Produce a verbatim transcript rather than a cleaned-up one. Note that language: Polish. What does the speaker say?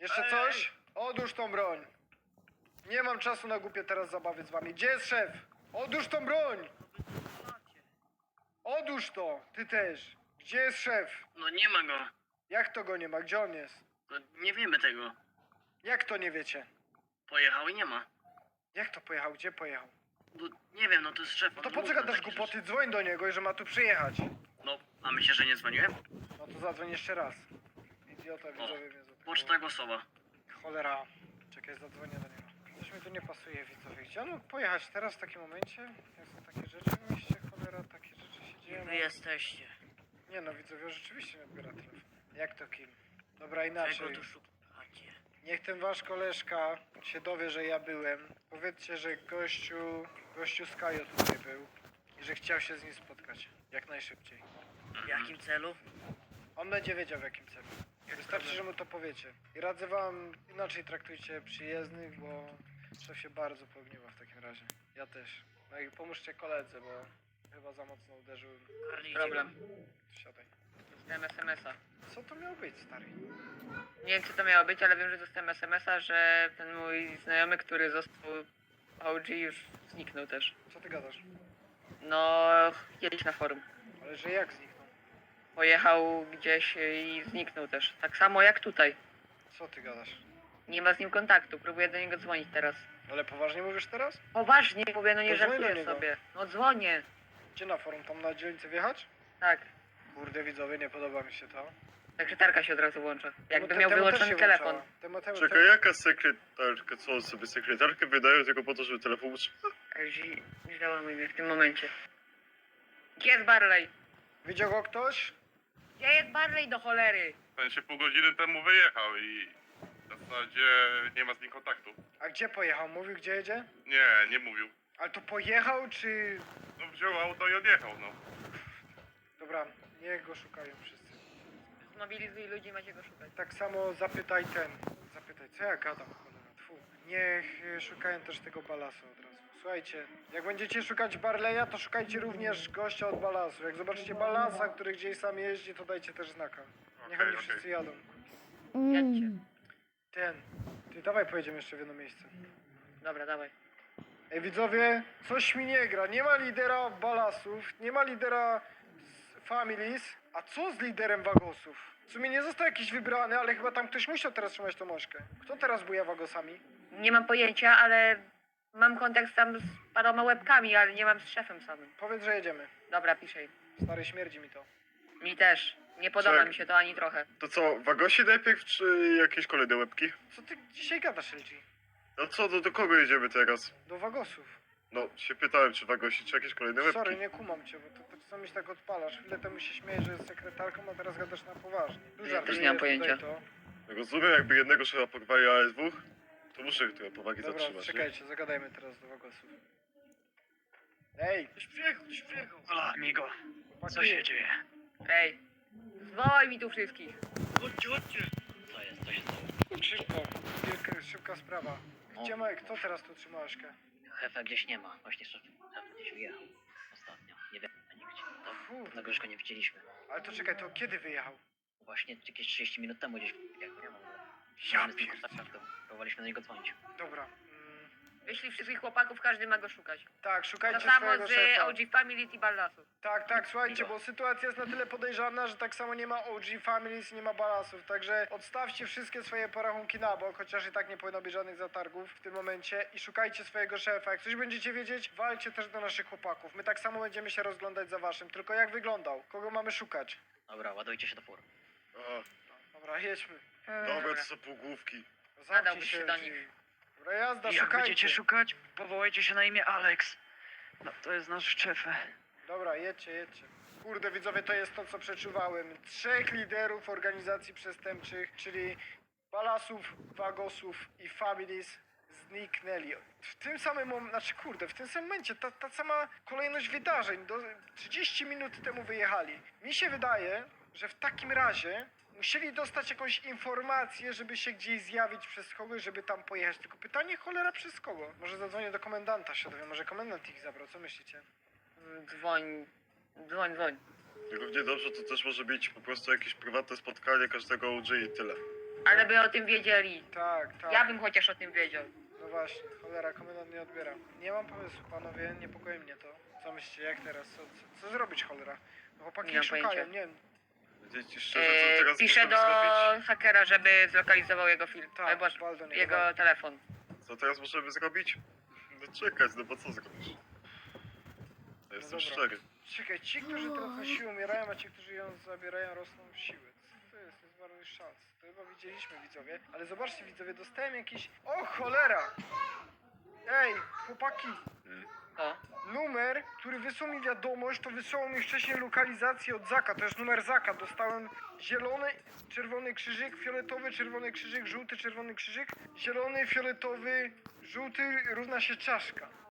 Jeszcze Ej, coś? Odłóż tą broń. Nie mam czasu na głupie teraz zabawy z wami. Gdzie jest szef? Odłóż tą broń! Odłóż to! Ty też! Gdzie jest szef? No nie ma go. Jak to go nie ma? Gdzie on jest? No, nie wiemy tego. Jak to nie wiecie? Pojechał i nie ma. Jak to pojechał? Gdzie pojechał? No, nie wiem, no to jest szef. No on to po mówi co na gadasz takie głupoty? rzeczy. Dzwoń do niego i że ma tu przyjechać. No, a myślę, że nie dzwoniłem? No to zadzwoń jeszcze raz. Idiota widzowie mnie zaatakował. Poczta głosowa. Cholera. Czekaj, zadzwonię do niego. Coś mi tu nie pasuje, widzowie. Gdzie on mógł pojechać teraz w takim momencie? Jak są takie rzeczy w mieście? Cholera, takie rzeczy się dzieją. Wy jesteście. Nie no, widzowie, rzeczywiście nie odbiera telefon. Jak to kim? Dobra, inaczej. Czego tu szukacie? Niech ten wasz koleżka się dowie, że ja byłem. Powiedzcie, że gościu, gościu z Kajo tutaj był i że chciał się z nim spotkać. Jak najszybciej. W jakim celu? On będzie wiedział w jakim celu. Wystarczy, że mu to powiecie. I radzę wam inaczej traktujcie przyjezdnych, bo szef się bardzo pogniewa w takim razie. Ja też. No i pomóżcie koledze, bo chyba za mocno uderzyłem. Problem. Siadaj. Dostałem es em es a. Co to miało być, stary? Nie wiem, co to miało być, ale wiem, że dostałem es em es a, że ten mój znajomy, który został O G, już zniknął też. Co ty gadasz? No, kiedyś na forum. Ale że jak zniknął? Pojechał gdzieś i zniknął też. Tak samo jak tutaj. Co ty gadasz? Nie ma z nim kontaktu, próbuję do niego dzwonić teraz. Ale poważnie mówisz teraz? Poważnie mówię, no nie To dzwoń do żartuję niego. sobie. No dzwonię. Gdzie na forum? Tam na dzielnicę wjechać? Tak. Kurde widzowie, nie podoba mi się to. Sekretarka się od razu włącza. Jakby No, miał temu też wyłączony się telefon. włączała. Temu, temu, Czekaj, jaka sekretarka? Co on sobie sekretarkę wydają tylko po to, żeby telefon utrzymać? Zi- Załamuj mnie w tym momencie. Gdzie jest Barley? Widział go ktoś? Gdzie jest Barley do cholery? Ten się pół godziny temu wyjechał i w zasadzie nie ma z nim kontaktu. A gdzie pojechał? Mówił gdzie jedzie? Nie, nie mówił. Ale to pojechał czy... No wziął auto i odjechał, no. Dobra, niech go szukają wszyscy. Zmobilizuj ludzi, macie go szukać. Tak samo zapytaj ten. Zapytaj, co ja gadam, cholera, tfu. Niech y, szukają też tego balasu od razu. Słuchajcie, jak będziecie szukać Barleya, to szukajcie również gościa od balasu. Jak zobaczycie balasa, który gdzieś sam jeździ, to dajcie też znaka. Niech Okej, oni okej. wszyscy jadą. Jedźcie. Ten. Ty dawaj pojedziemy jeszcze w jedno miejsce. Dobra, dawaj. Ej widzowie, coś mi nie gra. Nie ma lidera balasów, nie ma lidera z families. A co z liderem wagosów? W sumie nie został jakiś wybrany, ale chyba tam ktoś musiał teraz trzymać tą mążkę. Kto teraz buja wagosami? Nie mam pojęcia, ale mam kontakt tam z paroma łebkami, ale nie mam z szefem samym. Powiedz, że jedziemy. Dobra, piszę jej. Stary, śmierdzi mi to. Mi też. Nie podoba Czek. mi się to ani trochę. To co, wagosi najpierw, czy jakieś kolejne łebki? Co ty dzisiaj gadasz, L G? No co, do, do kogo jedziemy teraz? Do wagosów. No, się pytałem, czy wagosi, czy jakieś kolejne łebki? Sorry, nie kumam cię, bo to, to czasami się tak odpalasz. Chwilę temu się śmiejesz, że jest sekretarką, a teraz gadasz na poważnie. Dużo Ja też żartujesz nie mam tutaj pojęcia. To. Rozumiem, jakby jednego szefa porwali, ale dwóch, to muszę trochę powagi Dobra, zatrzymać. nie? czekajcie, zagadajmy teraz do wagosów. Ej, Ktoś przyjechał, ktoś przyjechał. Ola, amigo. Co chłopaki, się dzieje? Ej, zwołaj mi tu wszystkich. Chodźcie, chodźcie. Co jest, co się stało? Szybko, wielka, szybka sprawa. Gdzie ma, kto teraz tu trzyma Aśkę? Szefa gdzieś nie ma, właśnie szef szef gdzieś wyjechał ostatnio. Nie wiem, nigdzie. To Kurde. tego już go nie widzieliśmy. Ale to czekaj, to kiedy wyjechał? Właśnie jakieś trzydzieści minut temu gdzieś wyjechał. Nie Ja mamy z nim pier... kontakt, to próbowaliśmy do niego dzwonić. Dobra. Mm, Wyślij wszystkich chłopaków, każdy ma go szukać. tak, To szukajcie samo swojego z szefa. O G Family i Ballasu. Tak, tak, słuchajcie, Migo. bo sytuacja jest na tyle podejrzana, że tak samo nie ma O G Families, nie ma balasów, także odstawcie wszystkie swoje porachunki na bok, chociaż i tak nie powinno być żadnych zatargów w tym momencie i szukajcie swojego szefa. Jak coś będziecie wiedzieć, walcie też do naszych chłopaków. My tak samo będziemy się rozglądać za waszym, tylko jak wyglądał? Kogo mamy szukać? Dobra, ładujcie się do fur. A, Dobra, jedźmy. dobra, to są półgłówki. Zamknij Nadałbyś się do G. nich. Dobra, jazda, Jak szukajcie. będziecie szukać, powołajcie się na imię Alex. No, to jest nasz szef. Dobra, jedźcie, jedźcie. Kurde, widzowie, to jest to, co przeczuwałem. Trzech liderów organizacji przestępczych, czyli Balasów, Wagosów i Families zniknęli. W tym samym momencie, znaczy kurde, w tym samym momencie, ta, ta sama kolejność wydarzeń, do trzydzieści minut temu wyjechali. Mi się wydaje, że w takim razie musieli dostać jakąś informację, żeby się gdzieś zjawić przez kogoś, żeby tam pojechać. Tylko pytanie, cholera, przez kogo? Może zadzwonię do komendanta, się dowiem, może komendant ich zabrał, co myślicie? Dzwoń, dzwoń, dzwoń. Równie dobrze to też może być po prostu jakieś prywatne spotkanie każdego O G i tyle. Ale by o tym wiedzieli. Tak, tak. Ja bym chociaż o tym wiedział. No właśnie, cholera, komendant nie odbiera. Nie mam pomysłu, panowie, niepokoi mnie to. Co myślicie, jak teraz? Co, co, co zrobić, cholera? No chłopaki Nie mam szukają, pojęcia. nie wiem. Powiedzieć ci szczerze, co Eee, teraz piszę możemy do zrobić? hakera, żeby zlokalizował jego film. Tak, Albo wal do niego, jego wal. telefon. Co teraz możemy zrobić? No czekać, no bo co zrobisz? Ja jestem dobra. szczery. Czekaj, ci, którzy teraz na siłę umierają, a ci, którzy ją zabierają, rosną w siłę. Co to jest? To jest bardzo szans. To chyba widzieliśmy, widzowie. Ale zobaczcie, widzowie, dostałem jakiś... O, cholera! Ej, chłopaki! O, Numer, który wysłał mi wiadomość, to wysłał mi wcześniej lokalizację od Zaka. To jest numer Zaka. Dostałem zielony, czerwony krzyżyk, fioletowy, czerwony krzyżyk, żółty, czerwony krzyżyk, zielony, fioletowy, żółty równa się czaszka.